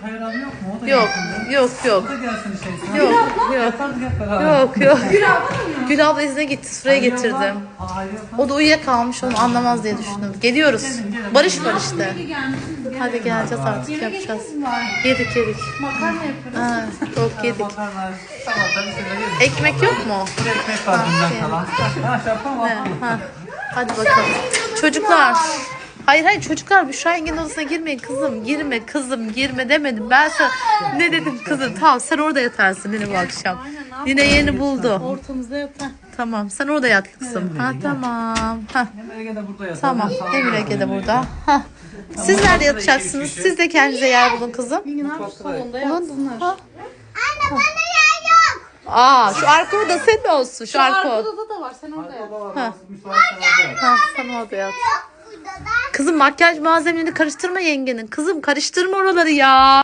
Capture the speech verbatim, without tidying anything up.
Hayran yok mu? O da Yok, gelsin. yok, yok. O da gelsin işte. Yok, yok. Yapardık hep beraber. Yok, yok. Gül abla izne gitti, sıraya Hayır getirdim. abla, hayır abla. O da uyuyakalmış, onu anlamaz diye düşündüm. Geliyoruz. Barış var işte. Hadi geleceğiz artık, yapacağız. Yedik yedik. Makarna yapıyoruz. Ha, çok yedik. Makarna, salata bir şeyler yedik. Ekmek yok mu? Bir ekmek var dünden kalan. Ha şey yapalım He, mı? ha. Hadi bakalım. Çocuklar. Hayır hayır çocuklar Büşra yengenin odasına girmeyin kızım. Girme kızım girme demedim. Ben sana ne dedim kızım? Tamam sen orada yatarsın yine bu akşam. Yine yeni buldu. Ortamızda yatar. Tamım sen orada yat kızım. Ha tamam. Ha. Hem Ege de burada yatar. Tamam. hem salata Emir Ege de yapalım. burada. Ha. Siz nerede yatacaksınız? Siz de kendinize yer bulun kızım. Yine salonda yatsınlar. Ha. Aa şu arka oda senin olsun. Şu arka oda. Arkada da var. Sen orada yat. Baba var, Ha. müsait sana da. Ha, sen orada yat. Kızım makyaj malzemelerini karıştırma yengenin. Kızım karıştırma oraları ya.